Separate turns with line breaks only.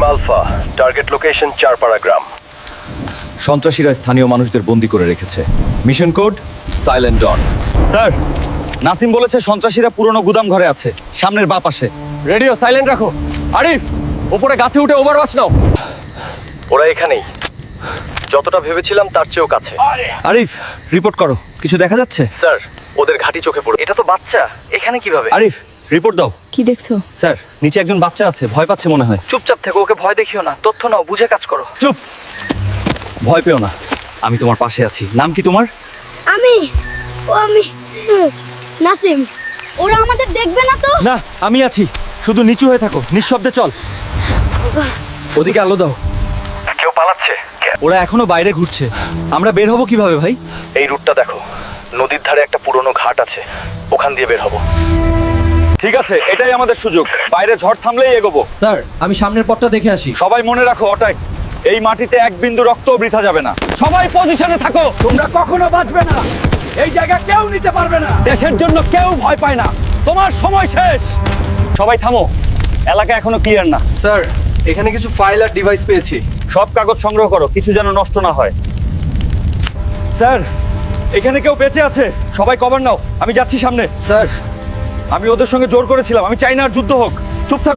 Team alpha, target location Charpara গ্রাম।
সন্ত্রাসীরা স্থানীয় মানুষদের বন্দি করে রেখেছে। Mission code silent dawn. Sir, Nasim বলেছে সন্ত্রাসীরা পুরনো গুদাম ঘরে আছে, সামনের বাঁ পাশে।
রেডিও সাইলেন্ট রাখো। আরিফ, উপরে গাছে উঠে ওভারওয়াচ নাও।
ওরা এখানেই, যতটা ভেবেছিলাম তার চেয়েও কাছে।
আরিফ, রিপোর্ট করো। কিছু দেখা যাচ্ছে?
স্যার, ওদের ঘাঁটি চোখে পড়ে। এটা তো বাচ্চা, এখানে কিভাবে?
আরিফ, রিপোর্ট দাও।
কি দেখছো?
স্যার, নিচে একজন বাচ্চা আছে, ভয় পাচ্ছে মনে হয়।
চুপচাপ থেকো, ওকে ভয় দেখিও না। তথ্য নাও, বুঝে কাজ করো।
চুপ, ভয় পেও না, আমি তোমার পাশে আছি। নাম কি তোমার?
আমি নাসিম। ওরা আমাদের দেখবে না তো?
না, আমি আছি। শুধু নিচু হয়ে থাকো, নিঃশব্দে চল। ওদিকে আলো দাও।
কেউ পালাচ্ছে।
ওরা এখনো বাইরে ঘুরছে। আমরা বের হবো কিভাবে ভাই?
এই রুটটা দেখো, নদীর ধারে একটা পুরনো ঘাট আছে, ওখান দিয়ে বের হবো।
ঠিক আছে, এটাই আমাদের সুযোগ। বাইরে ঝড় থামলেই এগোবো।
স্যার, আমি সামনের পথটা দেখে আসি।
সবাই মনে রাখো, ওটাই, এই মাটিতে এক বিন্দু রক্তও বৃথা যাবে না। সবাই পজিশনে থাকো।
তোমরা কখনো বাঁচবে না। এই জায়গা কেউ নিতে পারবে না। দেশের জন্য কেউ ভয় পায় না।
তোমার সময় শেষ। সবাই থামো, এলাকা এখনো ক্লিয়ার না।
স্যার, এখানে কিছু ফাইল আর ডিভাইস পেয়েছি।
সব কাগজ সংগ্রহ করো, কিছু যেন নষ্ট না হয়। স্যার, এখানে কেউ বেঁচে আছে? সবাই কভার নাও, আমি যাচ্ছি সামনে।
স্যার,
আমি ওদের সঙ্গে জোর করেছিলাম, আমি চাই না আর যুদ্ধ হোক। চুপ থাক।